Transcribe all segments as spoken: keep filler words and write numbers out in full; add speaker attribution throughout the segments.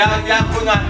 Speaker 1: ยังยังคุณก่อน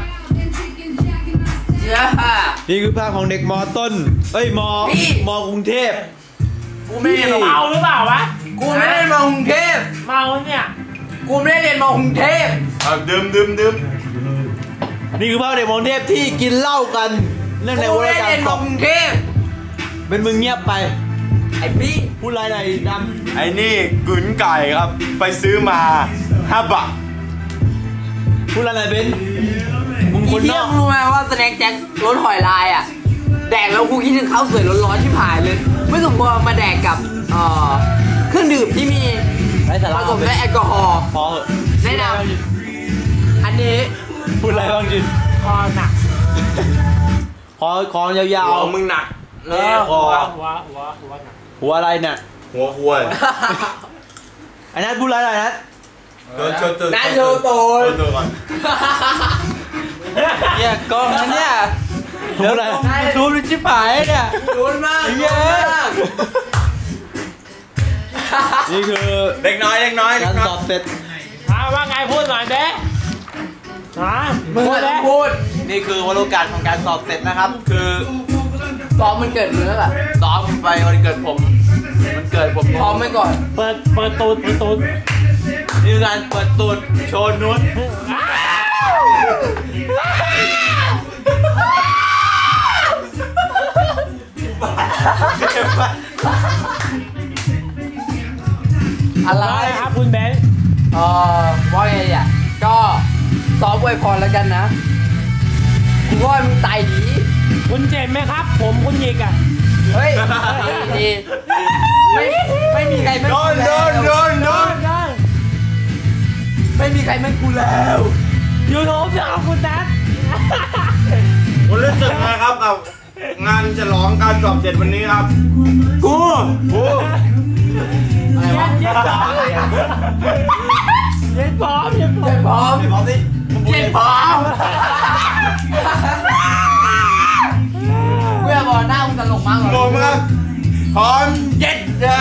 Speaker 2: นี่คือภาพของเด็กมอต้นเอ้ยมอมอกรุงเทพ
Speaker 3: กูไม่ได้เมาหรือเปล่าวะกูไม่ได้มากรุงเทพเมาเนี่ยกูไม่ได้เรียนมากรุงเทพ
Speaker 1: ดื่มดื่มดื่ม
Speaker 2: นี่คือภาพเด็กมอกรุงเทพที่กินเหล้ากันเรื่องในวงการ
Speaker 3: เรียนมากรุงเทพ
Speaker 2: เป็นมึงเงียบไป
Speaker 3: ไอ้พี่
Speaker 2: พูดอะไรไหนดำ
Speaker 1: ไอ้นี่กุนไก่ครับไปซื้อมาห้าบาท
Speaker 2: พูดอะไรเป็น
Speaker 3: มึงคนนอกรู้ไหมว่าสแน็คแจ็ครสหอยลายอ่ะแดกแล้วกูคิดถึงข้าวสวยร้อนๆที่ผ่านเลยไม่สมควรมาแดกกับเอ่อเครื่องดื่มที่มีผสมด้วยแอลกอฮอล์
Speaker 2: พอเหอะ
Speaker 3: แนะนำอันนี้
Speaker 2: พูดอะไรบ้างจิน
Speaker 3: คอหนัก
Speaker 2: คอคอยาว
Speaker 1: ๆมึงหนัก
Speaker 3: นี่คอหัวหัวหัวหนัก
Speaker 2: หัวอะไรเนี่ย
Speaker 1: หัวหัว
Speaker 2: ไอ้นัทพูดอะไรนัท
Speaker 1: โชว์ตัว
Speaker 3: นัทโชว์ตัว
Speaker 1: ตัวก่อน
Speaker 3: เนี่ยกล้องนะเนี่ย
Speaker 2: เดี๋ยวอะไรดูดูชิบหายเนี่ย
Speaker 3: ดูมากเยอะ
Speaker 2: นี่คือ
Speaker 1: เด็กน้อยเด็กน้อย
Speaker 2: การสอบเสร็จ
Speaker 3: ว่าไงพูดหน่อยเด้ฮะมึงพูด
Speaker 2: นี่คือวันโอกาสของการสอบเสร็จนะครับคือ
Speaker 3: ซ้อมมันเกิดมึงแล้วล่ะ
Speaker 2: ซ้อมไปวันเกิดผมมันเกิดผม
Speaker 3: พร้อมไว้ก่อน
Speaker 2: เปิดเปิดตูดเปิดตูดนี่คือการเปิดตูดโชว์นุ้น
Speaker 3: อะไรครับคุณเบนเอ่อว่าไงอ่ะก็ซ้อมอวยพรแล้วกันนะคุณว่ามึงตายดีคุณเจ็บไหมครับผมคุณยิกอ่ะเฮ้ยดีไม่ไม่มีใครไม่
Speaker 1: โดนโดนโดนโดน
Speaker 3: ไม่มีใครไม่กูแล้วยูโรจะเอาคุณนัท
Speaker 1: ผมรู้สึกนะครับกับงานฉลองการสอบเสร็จวันนี้ครับ
Speaker 3: กู
Speaker 1: กู
Speaker 3: อะไรวะเย็นพร้อมเย็นพร้อมเย็นพร้อมเย็นพร้อมสิเย็นพร้อมเมื่อบอกหน้ามึงตลกมากเลย
Speaker 1: ตลกมากพร้อมเย็นจ้า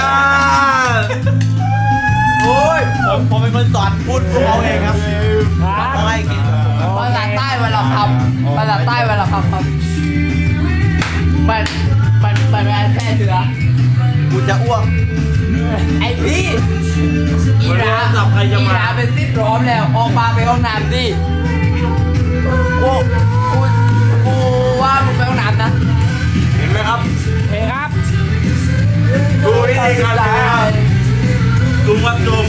Speaker 2: โอ้ยผมผมเป็นคนสอนพูดพวกเขาเองครับเขาให้กิน
Speaker 3: ภาษาใต้เวลาคำภาษาใต้เวลาคำครับมันมันมันเป็นแพร่เชื้อ
Speaker 2: กูจะอ้วก
Speaker 3: ไอพี่อีราอีราเป็นซิดร้อมแล้วออกมาไปห้องน้ำดิกูกูกูว่ามึงไปห้องน้ำนะ
Speaker 1: เห็นไหมครับ
Speaker 3: เห็นครับ
Speaker 1: ดูวิธีการทำจุ่มครับจุ่ม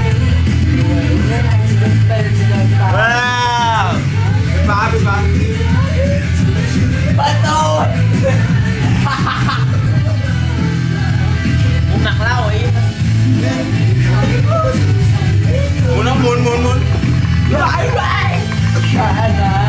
Speaker 1: ว้าวเป็นฟ้าเป็นฟ้า
Speaker 3: ประตู
Speaker 2: ผมหนักเล่าไอ้
Speaker 1: หมุนหมุนหมุนหมุน
Speaker 3: ไปไป